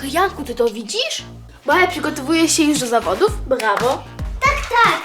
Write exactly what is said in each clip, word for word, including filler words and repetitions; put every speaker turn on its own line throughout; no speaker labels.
Janku, ty to widzisz? Maja przygotowuje się już do zawodów. Brawo.
Tak, tak.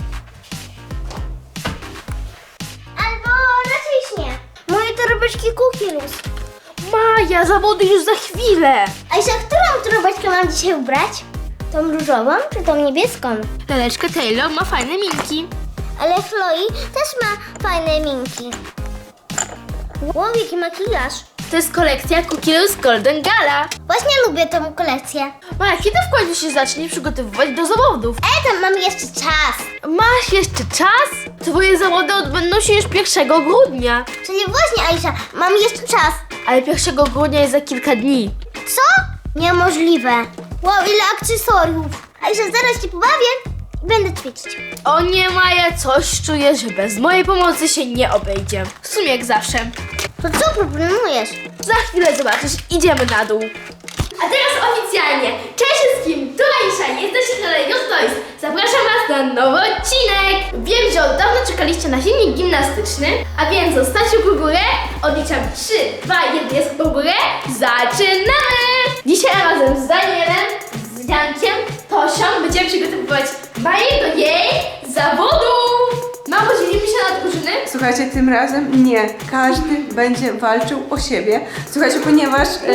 Albo raczej nie. Moje torebeczki Kukilus.
Maja, zawody już za chwilę.
Aisza, którą torebeczkę mam dzisiaj ubrać? Tą różową czy tą niebieską?
Laleczka Taylor ma fajne minki.
Ale Chloe też ma fajne minki. Wow, jaki makijaż.
To jest kolekcja Cookies Golden Gala.
Właśnie lubię tą kolekcję.
Maja, kiedy w końcu się zacznie przygotowywać do zawodów?
E, tam mam jeszcze czas.
Masz jeszcze czas? Twoje zawody odbędą się już pierwszego grudnia.
Czyli właśnie, Aisza, mam jeszcze czas.
Ale pierwszego grudnia jest za kilka dni.
Co? Niemożliwe. Wow, ile akcesoriów. Aisza, zaraz ci pobawię i będę ćwiczyć.
O nie, Maja, coś czuję, że bez mojej pomocy się nie obejdzie. W sumie jak zawsze.
To co proponujesz?
Za chwilę zobaczysz, idziemy na dół. A teraz oficjalnie, cześć wszystkim, tu Aisza, jesteście na Lejos Toys. Zapraszam Was na nowy odcinek. Wiem, że od dawna czekaliście na filmik gimnastyczny, a więc zostawcie w górę, odliczam trzy, dwa, jeden, jest w górę, zaczynamy! Dzisiaj razem z Danielem, z Jankiem, Tosią będziemy przygotowywać Maję do jej zawodów. Mamo, dzielimy się na drużyny?
Słuchajcie, tym razem nie. Każdy będzie walczył o siebie. Słuchajcie, ponieważ... E,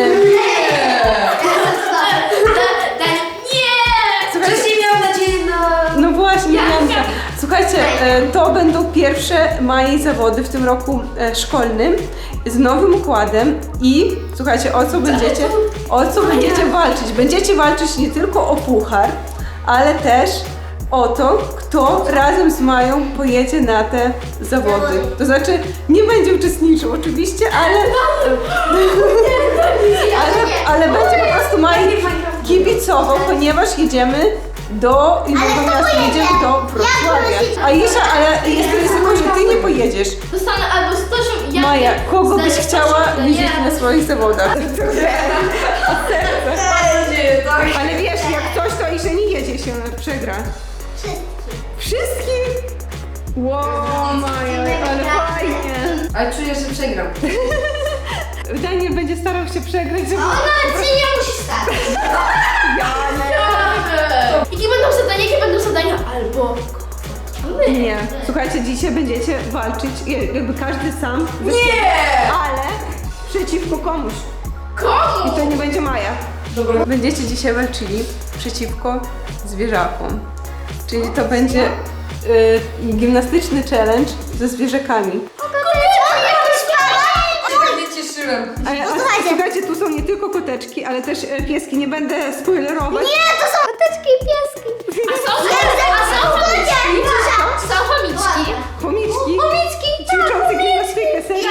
Daniel, nie!
Słuchajcie,
Wcześniej miałam nadzieję na...
no właśnie,
Ja-
Janka. Słuchajcie, e, to będą pierwsze mojej zawody w tym roku e, szkolnym z nowym układem i słuchajcie, o co będziecie, o co będziecie walczyć. Będziecie walczyć nie tylko o puchar, ale też o to, kto razem z Mają pojedzie na te zawody. To znaczy, nie będzie uczestniczył oczywiście, ale, ale, ale będzie po prostu Maji kibicował, ponieważ jedziemy do innego miasta, jedziemy do Wrocławia. Aisza, ale jest ryzyko, że ty nie pojedziesz.
Dostanę albo z Tosią i Jankiem.
Maja, kogo byś
Zdanie
chciała
Tosi, Daniela.
widzieć na swoich zawodach? Ale wiesz, jak coś, to Aisza nie jedzie się, ona przegra. Wszystkich? Wow, Maja, ale fajnie.
Ale czuję, że przegram.
Daniel będzie starał się przegrać, żeby...
Ona ci nie musi stać.
Jakie będą zadania, jakie będą zadania? Albo...
Nie. Słuchajcie, dzisiaj będziecie walczyć, jakby każdy sam. Nie! Ale przeciwko komuś.
Komu?
I to nie będzie Maja.
Dobra.
Będziecie dzisiaj walczyli przeciwko zwierzakom. Czyli to będzie y, gimnastyczny challenge ze zwierzakami.
Tak nie cieszyłem.
A, a,
słuchajcie.
słuchajcie, tu są nie tylko koteczki, ale też e, pieski. Nie będę spoilerować.
Nie, to są koteczki i pieski.
A są, a są chomiczki? Są chomiczki.
Chomiczki.
Chomiczki,
Ćwiczące gimnastykę, serio.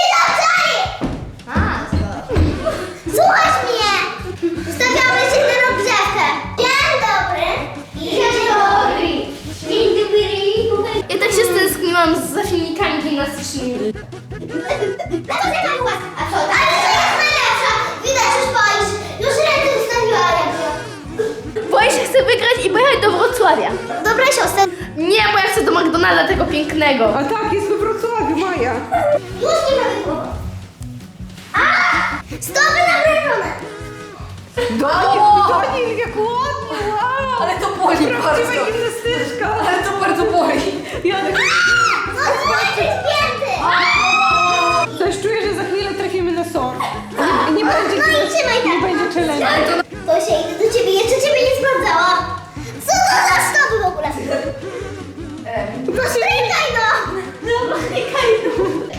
Słuchaj mnie! Ustawiamy się na rozgrzewkę. Dzień dobry. Dzień dobry. Dzień dobry.
Ja tak się stęskniłam za filmikami gimnastycznymi.
A to taka była. A co? Ale to jest najlepsza. Widać, już boisz. Już ręce ustawiła jakby.
Boję się, chcę wygrać i pojechać do Wrocławia.
Dobra, siostra.
Nie, bo ja chcę do McDonalda tego pięknego.
A tak, jest we Wrocławiu, Maja.
Już nie mamy głowy. A! Stopy nabręczone.
Daniel, Daniel, jak ładnie, wow.
Ale to boli
Prawdziwa
bardzo.
gimnastyczka.
Ale to bardzo boli.
Janek,
Otworzyć pięty.
coś czuję, że za chwilę trafimy na sor. Nie, nie będzie,
No i trzymaj
nie
tak.
będzie challenge.
To się idę do ciebie, jeszcze ciebie nie sprawdzała. Co to za stopy w ogóle? Strykaj no! No, strykaj no!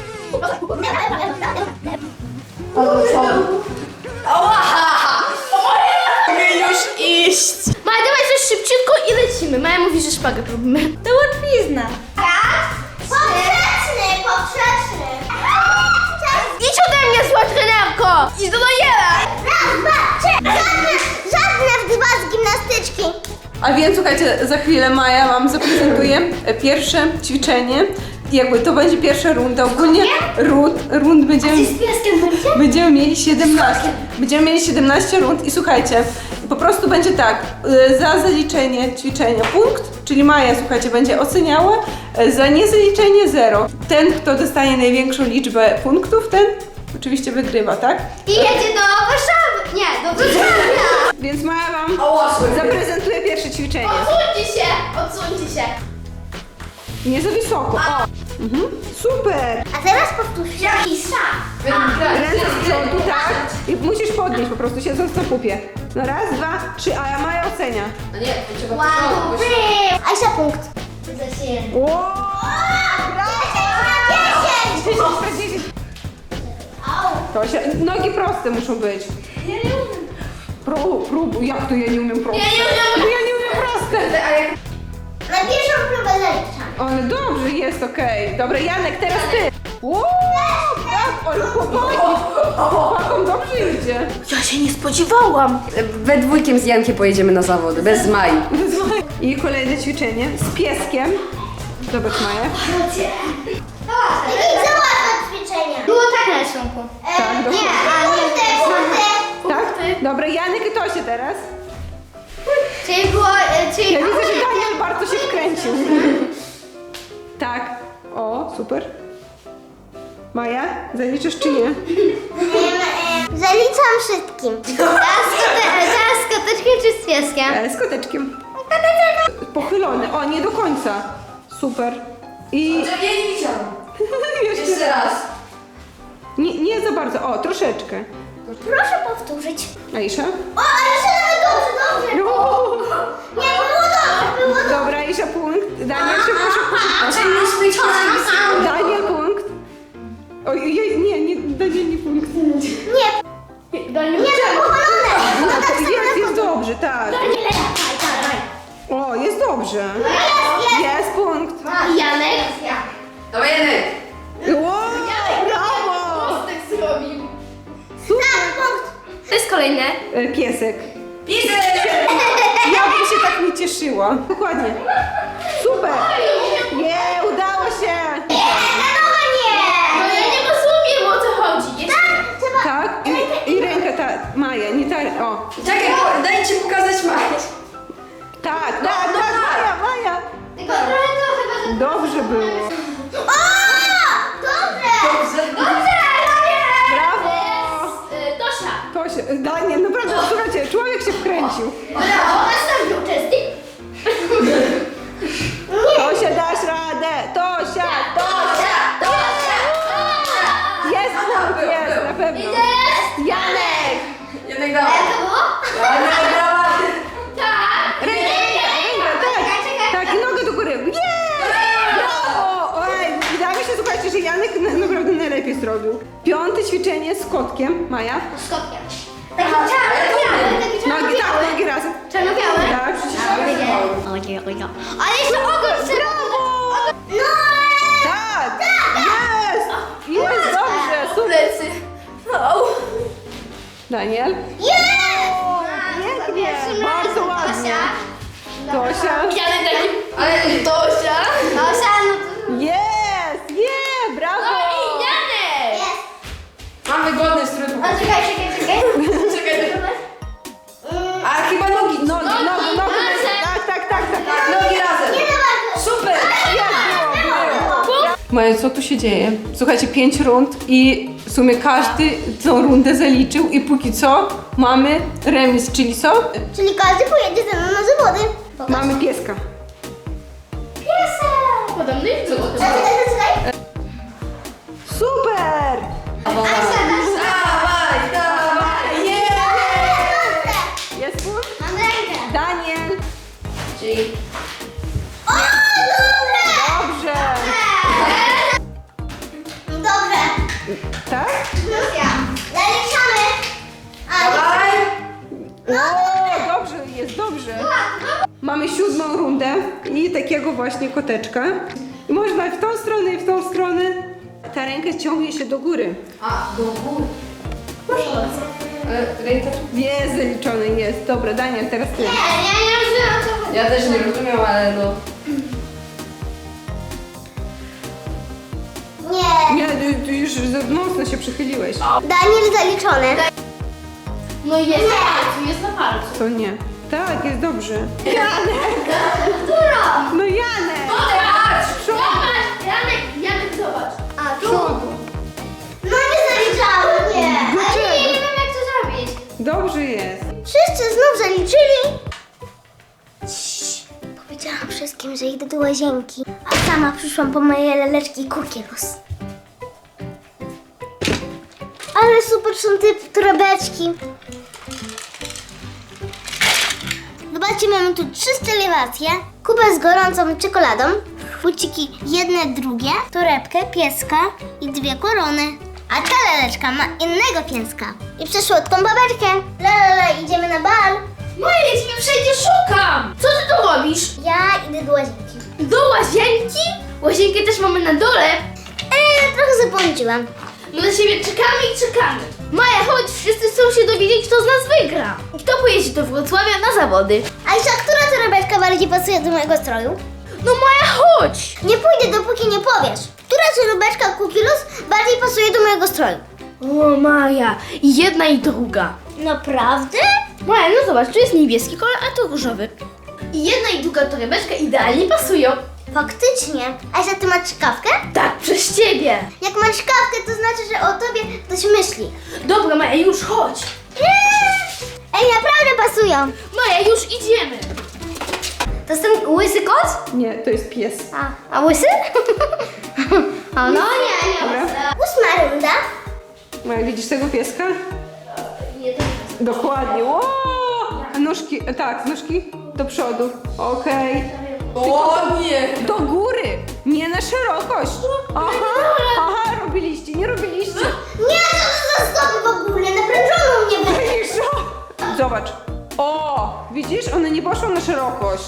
Mogę już iść. Maja, dawaj coś szybciutko i lecimy. Maja mówi, że szpagę robimy. To łatwizna.
Poprzeczny, poprzeczny!
Idź ode mnie, zła trenerko! Idź do Daniela!
Raz, dwa, trzy! Żadne, żadne w dwa z gimnastyczki!
A więc słuchajcie, za chwilę Maja wam zaprezentuje pierwsze ćwiczenie. Jakby to będzie pierwsza runda. Ogólnie rund, rund będziemy,
Z pieskiem będzie?
będziemy mieli siedemnaście. Będziemy mieli siedemnaście rund i słuchajcie, po prostu będzie tak, y, za zaliczenie ćwiczenia punkt, czyli Maja, słuchajcie, będzie oceniała, y, za niezaliczenie zero. Ten, kto dostanie największą liczbę punktów, ten oczywiście wygrywa, tak?
I jedzie do Warszawy! Nie, do Warszawy!
Więc Maja wam
O, łasły.
zaprezentuje pierwsze ćwiczenie.
Odsuńcie się, odsuńcie się.
Nie za wysoko. O. Mhm. Super.
A teraz powtórz. Jaki szak?
Ręce z przodu, tak? I musisz podnieść po prostu, siedząc na pupie. No raz, dwa, trzy, a ja Maja ocenia.
A nie, to trzeba
One,
to
two, three. Aisza, punkt. Za się.
Wow, brawo! dziesięć na dziesięć. To się, nogi proste muszą być.
Ja nie umiem.
Prób, prób, jak to ja nie umiem proste?
Ja nie umiem.
No ja nie umiem proste.
A jak...
Na pierwszą próbę zaliczam.
Ale dobrze, jest okej. Dobra, Janek, teraz ty. Wow, tak, ale chłopaki. Chłopakom dobrze idzie.
Ja się nie spodziewałam.
We dwójkiem z Jankiem pojedziemy na zawody, bez Mai.
I kolejne ćwiczenie z pieskiem. Zobacz, Maja.
Jakie za łatwe ćwiczenia. Było tak na rysunku.
Tak,
Nie,
dokładnie.
a nie te.
Tak? Dobra, Janek i Tosie teraz.
Czyli było, e, czyli...
Ja widzę, że Daniel bardzo się wkręcił. Tak. O, super. Maja, zaliczysz czy nie?
Em, e, Zaliczam wszystkim. Teraz z koteczkiem czy z pieskiem?
E, z koteczkiem. Pochylony. O, nie do końca. Super. I
Ja nie widziałam.
jeszcze
Jeszcze raz.
nie, nie za bardzo. O, troszeczkę.
Proszę powtórzyć.
Aisza?
O, ale się nawet dobrze, dobrze.
O,
Nie, było dobrze, było dobrze.
dobra, Aisza punkt. Daniel szybko, szybko, szybko.
Czyli myśmy ćwiczyli.
Daniel punkt. Oj, jej, nie, nie, Daniel nie punkt.
Nie,
Daniel,
nie, to powolone.
No,
No, tak
to
samo
jest,
na
jest dobrze, tak.
Daniel, daj, daj.
O, jest dobrze.
Jest, jest.
Jest punkt.
Janek.
Dawaj, Janek.
Wow, brawo!
Mostek zrobił.
Super.
Punkt.
To jest kolejne.
E, Piesek.
Pisek!
Ja bym się tak nie cieszyła. Dokładnie. Super. Nie, udało się.
Nie, na nowe nie.
No ja nie rozumiem, o co chodzi. Jeszcze...
Tak, trzeba...
Tak? I, i ręka ta, Maja, nie ta, o.
Czekaj, bo- dajcie pokazać Mai.
Tak, tak, tak, Maja, Maja.
Tylko trochę to chyba... że-
Dobrze było.
O! Dobrze!
Dobrze.
Dobrze, Daniel!
Brawo.
Y, Tosia.
To się, Daniel, naprawdę, słuchajcie, człowiek się wkręcił.
Brawo, następny uczestnik.
Tosia, dasz radę. Tosia, Tosia.
Tosia.
Jest punkt, jest, na pewno. Janek.
Janek
A
dawaj.
jak to było?
Janek dawaj.
Tak.
Rękę, rękę, tak. Tak, i nogę do góry. Jest! Brawo! Oj, wydaje mi się, słuchajcie, że Janek na- naprawdę najlepiej zrobił. Piąte ćwiczenie z kotkiem. Maja?
Z kotkiem. Taki czarno-biały, taki
Nogi, tak,
czarno-biały.
nogi razem.
Czarno-biały?
Tak,
Ale jeszcze ogon trzeba...
brawo!
No!
Tak! Jest! Jest, dobrze, super.
Plecy. Au.
Daniel?
Jest!
Pięknie, bardzo ładnie. Tosia?
Janek taki.
Ale
Tosia.
Tosia, no to...
Jest! Nie, brawo!
No i Janek.
Jest.
mam wygodny strój.
A czekaj, czekaj, czekaj.
Czekaj, czekaj.
Mm,
A chyba nogi.
Nogi, nogi, nogi.
razem.
Tak, tak, tak, tak.
Tak, nogi razem.
Nie za bardzo.
Super.
Maja, co tu się dzieje? Słuchajcie, pięć rund i w sumie każdy tą rundę zaliczył i póki co mamy remis, czyli co?
Czyli każdy pojedzie ze mną na zawody. Pokaż.
Mamy pieska.
Piesek!
Podobny jest było.
Czekaj, czekaj, czekaj.
Super!
Asia, dasz
Dawaj, dawaj.
rękę.
Jest punkt?
Mam rękę.
Daniel.
Czyli
O, dobrze!
Dobrze.
Dobrze.
Tak?
Lucia, zaliczamy. A,
dawaj.
O, dobrze, jest dobrze. Mamy siódmą rundę i takiego właśnie koteczka. I można w tą stronę i w tą stronę. Ta ręka ciągnie się do góry.
A, do góry. Ale ręka tu.
Jest zaliczony, jest. Dobra, Daniel, teraz ty.
nie, ja nie rozumiem o co chodzi.
Ja też nie rozumiem, ale no.
Nie.
Nie, ty, ty już za mocno się przychyliłeś.
Daniel zaliczony.
No jest na palcu, jest na palcu.
To nie. Tak, jest dobrze.
Którą?
No Janek!
Zobacz!
Przód.
Zobacz! Janek, Janek, zobacz.
A, tu.
Przodu.
No nie zaliczałem, nie. Ale
Dlaczego?
nie, nie wiem jak to zrobić.
Dobrze jest.
Wszyscy znów zaliczyli. Ciii. Powiedziałam wszystkim, że idę do łazienki, a sama przyszłam po moje laleczki Cookie-Luz. Ale super są te torebeczki. Zobaczcie, mamy tu trzy stylewacje. Kubę z gorącą czekoladą, buciki jedne, drugie, torebkę, pieska i dwie korony. A ta laleczka ma innego pieska i przesłodką babeczkę. La la la, idziemy na bal.
Maja, ja ciebie wszędzie szukam! Co ty tu robisz?
Ja idę do łazienki.
Do łazienki? Łazienkę też mamy na dole.
Eee, trochę zapomniałam.
My na siebie czekamy i czekamy. Maja, chodź, wszyscy chcą się dowiedzieć, kto z nas wygra. I kto pojedzie do Wrocławia na zawody.
Aisza, która torebeczka bardziej pasuje do mojego stroju?
No Maja, chodź!
Nie pójdę, dopóki nie powiesz. Która torebeczka Cookie-Luz bardziej pasuje do mojego stroju?
O Maja, i jedna i druga.
Naprawdę?
Maja, no zobacz, tu jest niebieski kolor, a tu różowy. I jedna i druga torebeczka idealnie pasują.
Faktycznie. Aisza, ty masz czkawkę?
Tak, przez ciebie.
Jak masz czkawkę, to znaczy, że o tobie ktoś myśli.
Dobra Maja, już chodź.
Ej, naprawdę pasują.
Maja, już idziemy.
To jest ten łysy kot?
Nie, to jest pies.
A, a łysy? o, no nie, nie.
Dobra.
Ósma runda.
Maja, widzisz tego pieska?
Nie, to
Dokładnie. Ło! A nóżki, e, tak, nóżki do przodu. Okej.
O nie!
Do góry, nie na szerokość. Aha, aha, robiliście, nie robiliście.
Nie, co to za stopy w ogóle? Naprężono mnie będzie.
Cisza. Zobacz. O, widzisz, one nie poszły na szerokość.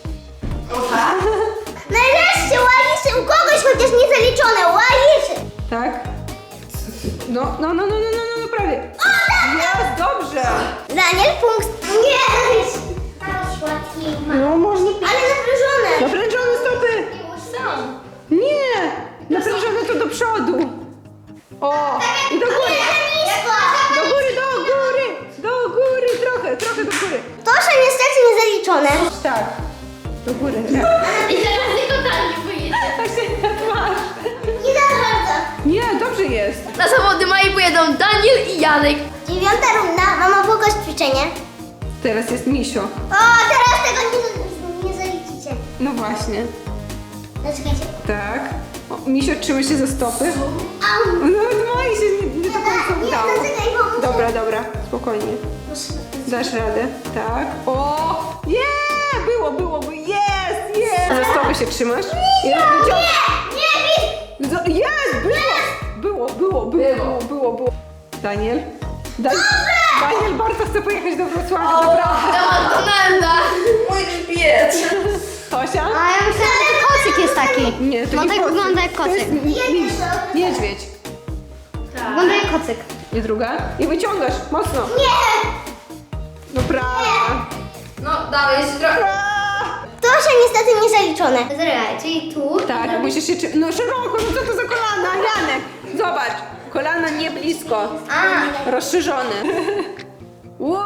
Nareszcie łaziszy u kogoś, chociaż nie zaliczone. Łaziszy.
Tak? No, no, no, no, no, no, no, no prawie. Jest, dobrze.
Daniel, punkt. Nie. Słodki.
No, można.
Ale naprężone.
Naprężone stopy.
Są.
Nie, naprężone to do przodu. O, i do góry. Do góry, do góry, do góry, trochę, trochę do góry.
To, że niestety nie zaliczone.
Tak, do góry.
I teraz tylko tam nie pojedzie.
Tak się tak masz.
Nie za bardzo.
Nie, dobrze jest.
Na zawody Mai pojedą Daniel i Janek.
Dziewiąta runda. Mama, pokaż ćwiczenie.
Teraz jest Misio.
O, teraz tego nie, nie zaliczycie.
No właśnie.
Zaczekajcie.
Tak. O, Misio trzyma się za stopy.
Au.
Nawet moi się nie, nie do końca
Nie,
udało.
zaczekaj, bo muszę.
Dobra, dobra, spokojnie. Dasz radę, tak. O! Nie! Było, było, było. Jest, jest! Za stopy się trzymasz?
Nie,
Jest,
nie, nie,
Zo- Jest! Było! Było, było, było, było, było, było. Daniel? Da- Daniel bardzo chce pojechać do Wrocławia, naprawdę.
Do McDonalda.
Mój grzbiet!
Tosia?
A ja myślałam, że kocyk jest taki.
Nie, to
No
nie
tak
kocyk.
wygląda jak
To
kocyk.
jest mi- miś. Niedźwiedź.
Wygląda jak kocyk.
I druga? I wyciągasz, mocno.
Nie!
No prawie.
No, dawaj, jeszcze trochę.
To się niestety nie zaliczone. Zresztą, czyli tu.
Tak, musisz się... Czy... No szeroko, no co to za kolana, Janek? Zobacz, kolana nie blisko.
A.
Rozszerzone. Wow!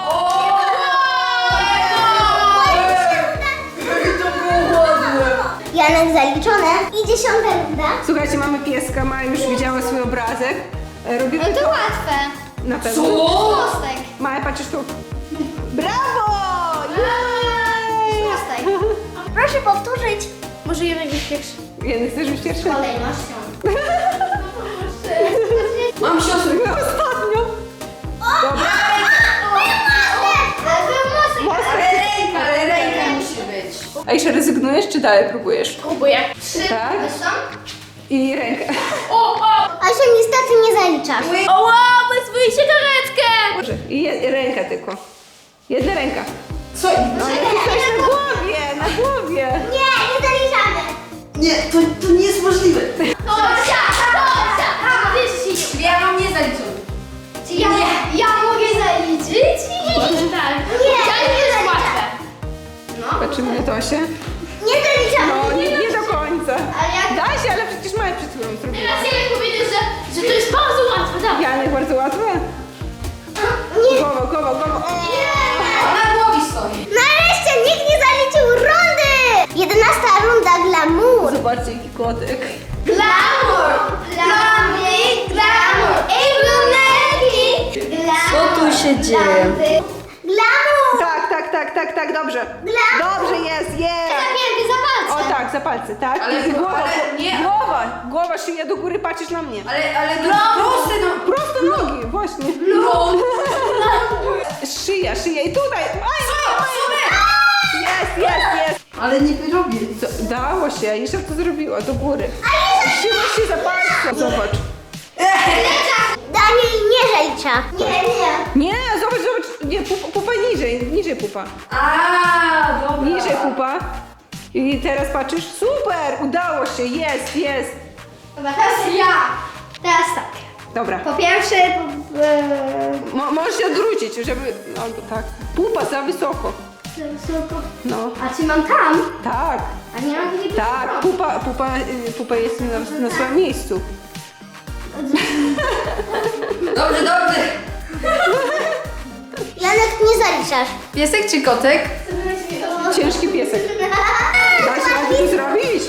To było ładne!
Janek zaliczone. I dziesiąta runda.
Słuchajcie, mamy pieska, Maja już widziała swój obrazek. E, Robimy to
łatwe.
na pewno.
Co?
Mostek.
Maja, patrzysz tu. Brawo! Jej!
Mostek. Proszę powtórzyć.
Może Janek być pierwszy.
Janek, chcesz być pierwszy?
Kolejnością.
Mam siostrę.
No, ostatnio. Dobra. Mostek.
Ale ręka, ale ręka musi być.
A jeszcze rezygnujesz, czy dalej próbujesz?
Próbuję. Trzy.
Tak? I rękę.
O, o!
Asia, niestety nie zaliczasz.
O, wow, wezmij się karetkę!
Dobrze. I je, ręka tylko. Jedna ręka.
Co?
No ale ty coś na głowie, na głowie.
Nie, nie zaliczamy.
Nie, to, to nie jest możliwe.
Tosia, Tosia! Wiesz,
Ja mam nie zaliczone.
czy ja, ja mogę zaliczyć? Tak.
Nie,
Ja nie
nie
jest
zaliczam.
łatwe.
Patrzymy na Tosię.
Nie zaliczamy.
No, nie, nie do końca.
Ale jak...
Da się, ale przecież Maja przed chwilą zrobiła.
Teraz Janek powiedział, że, że to jest bardzo łatwe. Dawaj.
Janek, bardzo łatwe.
Nie.
Głowa, głowa, głowa. O!
Na głowie stoi.
Nareszcie nikt nie zaliczył rundy. Jedenasta runda glamour.
Zobaczcie, jaki kotek.
Glamour! Glamour! Glamour! Ej, brunetki!
Co tu się dzieje?
Glamour!
Tak, tak, tak, tak, tak, dobrze. Dobrze, jest, jest.
Zapięty za
O
palce.
tak, za palce, tak?
Ale-
I głowa,
ale nie.
głowa, głowa, szyja do góry, patrzysz na mnie.
Ale, ale to proste no.
Prosto nogi, właśnie.
No.
Szyja, szyja i tutaj. Aj, jest, jest, jest.
Ale nie robię.
Co, dało się, jeszcze to zrobiła, do góry. Trzyma się za palce. Zobacz.
Daniel nie żelicza. Nie, nie.
Nie, zobacz, zobacz. Nie, pupa, pupa niżej, niżej pupa.
A, dobra.
Niżej pupa. I teraz patrzysz, super, udało się, jest, jest.
Dobra, teraz ja. Teraz tak.
Dobra.
Po pierwsze, e,
Mo, możesz się odwrócić, żeby, albo tak. Pupa za wysoko. No,
a czy mam tam?
tak,
A nie mam gdzie
tak, pupa, pupa, y, pupa jest na, na swoim miejscu.
Dobrze, dobrze.
Janek, nie zaliczasz.
Piesek czy kotek?
Ciężki piesek. Da się radę to zrobić?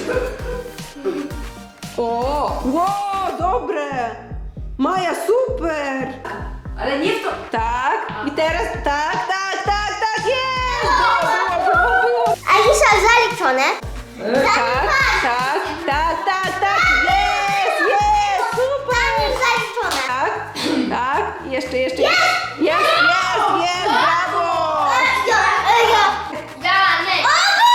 O, wow, dobre. Maja, super.
Ale nie w to.
Tak, i teraz, tak, tak, tak, tak, jest. Było, było, było.
Alisa zaliczone.
Tak, tak, tak, tak, tak, jest, jest, super.
Daniel zaliczone.
Tak, tak, jeszcze, jeszcze, jest, jest, jest, jest, brawo.
Ja, ja.
Janek!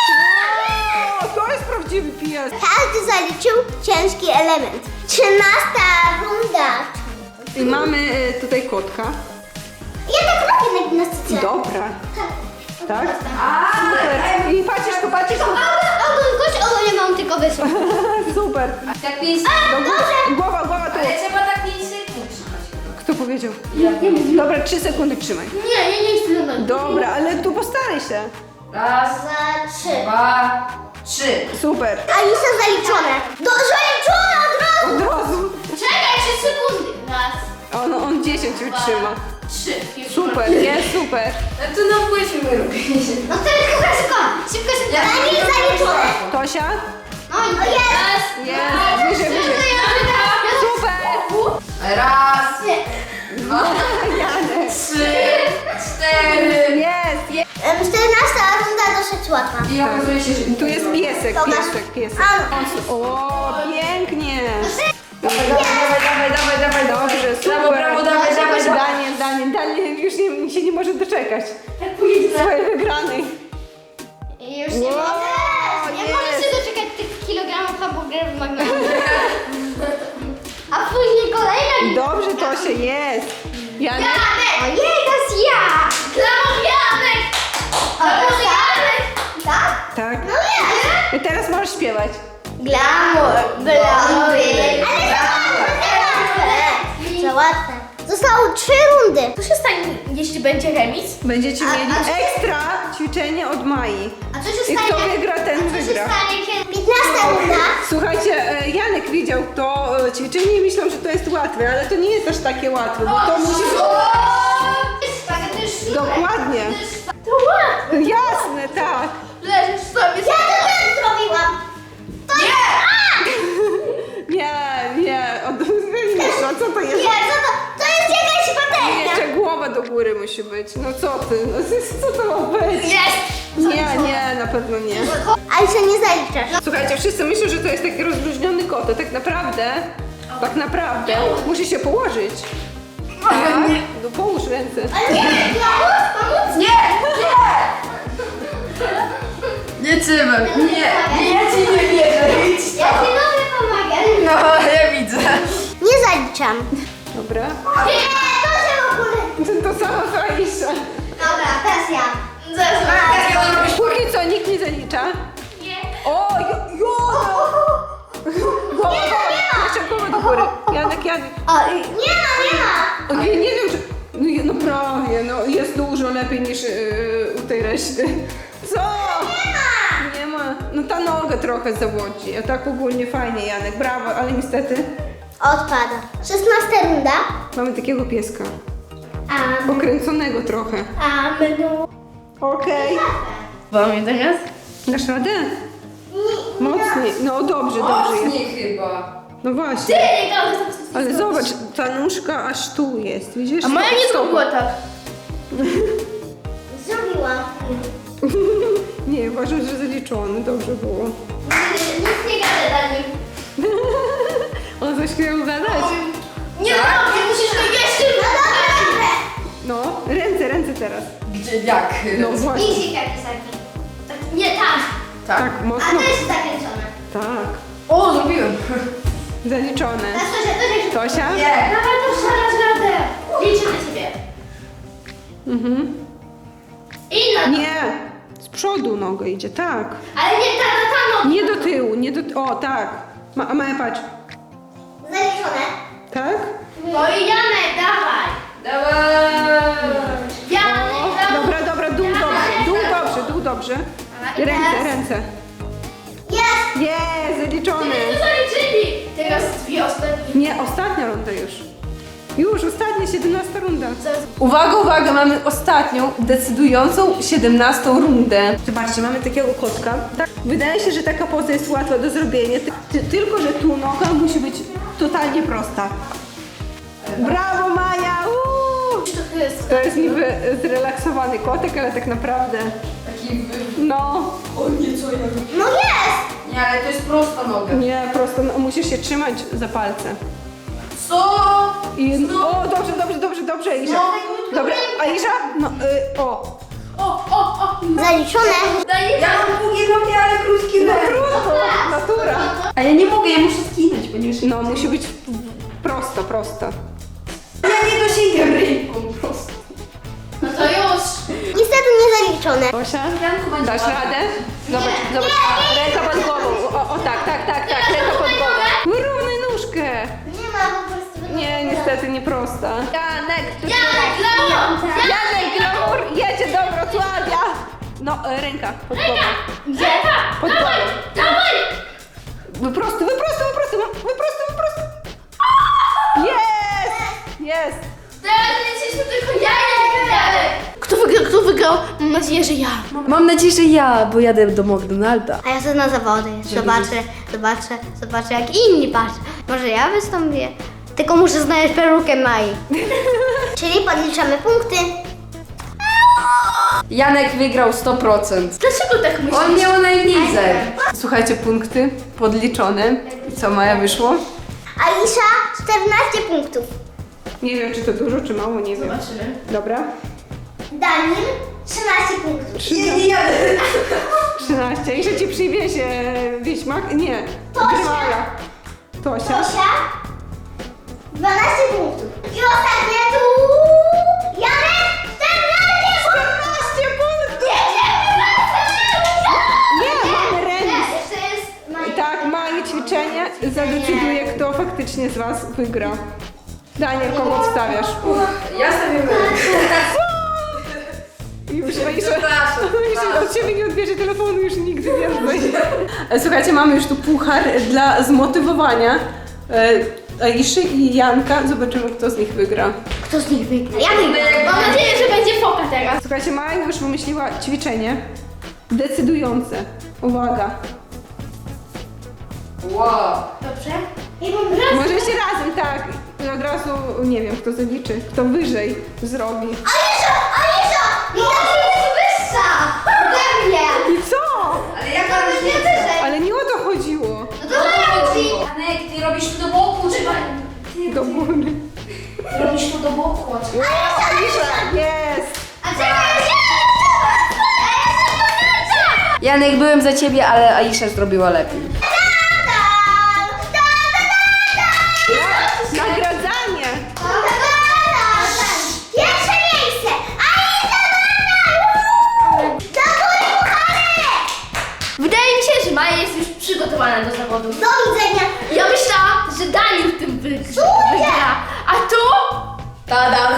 O, to jest prawdziwy pies.
Każdy zaliczył ciężki element. Trzynasta runda.
I mamy y, tutaj kotka.
Ja tak robię na gimnastyce.
Dobra, tak? Super. I patrzysz tu, patrzysz tu.
Ogon, gość, ogon, nie mam tylko wysłać.
Super.
Tak pięć
Do góry. Głowa, głowa tu.
Ale trzeba tak pięć sekund trzymać.
Kto powiedział? Dobra, trzy sekundy trzymaj.
Nie, nie, nie chcę do
Dobra, ale tu postaraj się.
Raz,
Dwa, trzy.
dwa, trzy.
Super.
Alisa zaliczone. Do, zaliczone od razu.
Od razu.
Czekaj, trzy sekundy. Raz,
On, on dziesięć utrzyma.
trzy.
Super, jest super.
No to nam musimy robić.
No to szybko, szybko. Szybko, szybko. Daniel zaliczone.
Tosia?
No i jest.
Jest. Wyżej, wyżej. Super.
Raz, dwa,
Janek.
trzy, cztery.
Jest, jest.
Em, czternasta runda dosyć łatwa.
I okazuje się, że
Tu jest piesek,
Pokaż.
piesek, piesek.
A,
O, pięknie.
Dawaj, dawaj, dawaj, dawaj, dawaj, dawaj.
Dobrze, super.
Brawo, brawo, dawaj, dawaj, dawaj.
Daniel, Daniel, Daniel już nie, się nie może doczekać swojej wygranej.
Już nie
Wow,
mogę. Nie
jest.
mogę się doczekać tych kilogramów hamburgerów w McDonald's. A później kolejna
Dobrze, Tosia, jest. Janek?
Janek! Ojej, to jest ja! Glamour Janek! Glamour Janek!
tak?
Tak.
No jest.
I teraz możesz śpiewać.
Glamour, glamour. Ale za łatwe. Za łatwe. Zostały trzy rundy.
Co się stanie, jeśli będzie remis?
Będziecie
A-
mieli
a co-
ekstra ćwiczenie od Mai.
A co się
I
stanie?
kto wygra, ten
A co się
wygra.
stanie, kiedy... piętnasta runda.
Słuchajcie, e, Janek widział to e, ćwiczenie i myślał, że to jest łatwe, ale to nie jest aż takie łatwe, bo to musi...
To jest super.
Dokładnie.
To łatwe.
Jasne, tak.
Leżysz sobie.
Ja to tak zrobiłam. To
Nie, nie, od... wiesz, a co to jest?
Nie, co to? To jest jakaś patelnia.
Jeszcze głowa do góry musi być. No co ty? No, co to ma być?
Jest!
Nie, nie, na pewno nie.
Alisa, nie zaliczasz.
Słuchajcie, wszyscy myślą, że to jest taki rozluźniony kot, a tak naprawdę, tak naprawdę musi się położyć. Tak? No połóż ręce.
Ale nie, glamour, pomóc?
Nie, nie. Nie trzymam, nie, nie, ja ci nie wierzę, idź
Ja
tam.
ci mogę pomagać.
No, ja widzę.
Nie zaliczam.
Dobra.
Nie, to się w ogóle...
To samo co Aisza.
Dobra, teraz ja.
Jak ja to robisz?
Póki co nikt nie zalicza.
Nie.
O, jo, jo! Głowa, głowa. Jeszcze głowę do góry. Janek, Janek.
O, nie ma, nie ma.
O, nie, nie wiem, czy... No, je- no prawie, no jest dużo lepiej niż yy, u tej reszty. Co?
Nie ma.
Nie ma. No ta noga trochę zawodzi, a tak ogólnie fajnie, Janek, brawo, ale niestety
Odpada. Szesnasta runda.
mamy takiego pieska.
Amen.
Pokręconego trochę.
Amen.
Okej.
Mamy teraz?
Dasz radę? Mocniej. No dobrze, dobrze jest.
Mocniej chyba.
No
Ty,
właśnie.
nie gałeś, to
Ale zobacz, ta nóżka aż tu jest, widzisz?
A moja nie zrobiła tak.
Zrobiłam.
Nie, uważam, że zaliczony, dobrze było.
Nic nie gadę dla nich.
On coś chciał gadać.
Nie robię, musisz to jeszcze...
No, ręce, ręce teraz.
Gdzie, jak?
No właśnie.
Easy kapisaki.
Nie, tak.
Tak.
Tak,
A
mocno.
to jest zakręcone.
Tak.
O, zrobiłem.
Zaliczone.
Teraz to się, to się...
Tosia?
Nie.
Dawaj, to szalasz radę. Liczę na ciebie.
Mhm.
I na...
Nie. Z przodu noga idzie, tak.
Ale nie ta, ta, ta noga.
Nie do tyłu, nie do... O, tak. Ma, a Maja, patrz.
Zaliczone.
Tak?
No i Janek, dawaj.
Dawaj.
Janek, dawaj.
Dobra, dobra, dół dobrze, dół dobrze, dół dobrze. Ręce, ręce.
Jest.
Jest, zaliczone.
To zaliczyli. Teraz dwie ostatnie.
Nie, ostatnia runda już. Już, ostatnia, siedemnasta runda. Uwaga, uwaga, mamy ostatnią, decydującą siedemnastą rundę. Zobaczcie, mamy takiego kotka. Tak, wydaje się, że taka poza jest łatwa do zrobienia, ty, ty, tylko że tu noga musi być totalnie prosta. Brawo, Maja! Uuu!
To jest...
To jest niby zrelaksowany kotek, ale tak naprawdę...
Taki wy...
No,
O nie, co ja robię?
No jest.
Nie, ale to jest prosta noga.
nie, prosto no, musisz się trzymać za palce.
Co?
I, o, dobrze, dobrze, dobrze, dobrze, Aisha. Dobra, Aisha, no, y, o.
O, o, o.
Zaliczone.
Daj
Ja mam długie nogi, ale krótkie
No
nogi.
trudno, natura.
A ja nie mogę, ja muszę skinąć, ponieważ...
No, musi być prosto, prosto.
Ja nie dosięgam ręką po prostu.
No to już.
Niestety nie zaliczone.
Osia,
Janku, będzie
dasz
łatwo.
radę? Zobacz, zobacz, a, ręka pod głową. O, o tak, tak, tak, tak, ręka pod głową. Wyrównaj nóżkę.
Nie ma po prostu.
Nie, niestety nie prosta. Janek, tu
Janek, glamour.
Janek, glamour, jedzie do Wrocławia. No, e, ręka pod głową.
Gdzie ta?
Pod
Dawaj,
głową.
dawaj.
Wyprostuj, wyprostuj, wyprostuj, wyprostuj, wyprostuj. Jest! Jest!
Teraz liczyliśmy tylko ja i Janek. Kto wygrał, kto wygrał? Mam nadzieję, że ja.
Mam nadzieję, że ja, bo jadę do McDonalda.
A ja sobie na zawody. Zobaczę, zobaczę, zobaczę jak inni patrzą. Może ja wystąpię? Tylko muszę znaleźć perukę Mai. Czyli podliczamy punkty.
Janek wygrał sto procent.
Dlaczego tak myślisz?
On miał najniżej.
Słuchajcie, punkty podliczone. I co, Maja, wyszło?
Aisha czternaście punktów.
Nie wiem, czy to dużo, czy mało, nie wiem.
Zobaczymy.
Dobra.
Daniel trzynaście punktów.
Nie, nie jadę.
trzynaście. I że ci przywiezie wieśmak? Nie. Grywala. Tosia.
Tosia dwanaście punktów. I ostatnie tu Janek czternaście punktów. Jedziemy
Nie, mamy
na
remis.
Jeszcze jest
I
Maja.
tak, małe ćwiczenie zadecyduje, kto faktycznie z was wygra. Daniel, kogo wstawiasz?
Ja stawiam
Już, Maisza,
Przepraszam.
Maisza od ciebie nie odbierze telefonu już nigdy więcej. Słuchajcie, mamy już tu puchar dla zmotywowania e, Aiszy i Janka. Zobaczymy, kto z nich wygra.
Kto z nich wygra? Ja wygram.
Mam nadzieję, że będzie foka teraz.
Słuchajcie, Maja już wymyśliła ćwiczenie decydujące. Uwaga.
Wow.
Dobrze?
I bym raz...
Możecie razem, tak. I od razu nie wiem, kto zaliczy, kto wyżej zrobi.
Aisha! Aisha! Widać, że jest wyższa! Ode mnie!
I co?
Ale jaka różnica?
wyżej.
Ale nie o to chodziło.
No to ja ci.
Janek, ty robisz tu do boku, trzeba...
Do góry.
Ty robisz tu do boku, a trzeba...
Aisza, jest!
A czekaj,
Janek, byłem za ciebie, ale Aisha zrobiła lepiej.
Nagradzanie!
Pierwsze miejsce! Aisha Bana! Do góry puchary!
Wydaje mi się, że Maja jest już przygotowana do zawodu.
Do widzenia!
Ja myślałam, że Daniel w tym wygra.
Cudnie!
wygra. A tu?
Tada!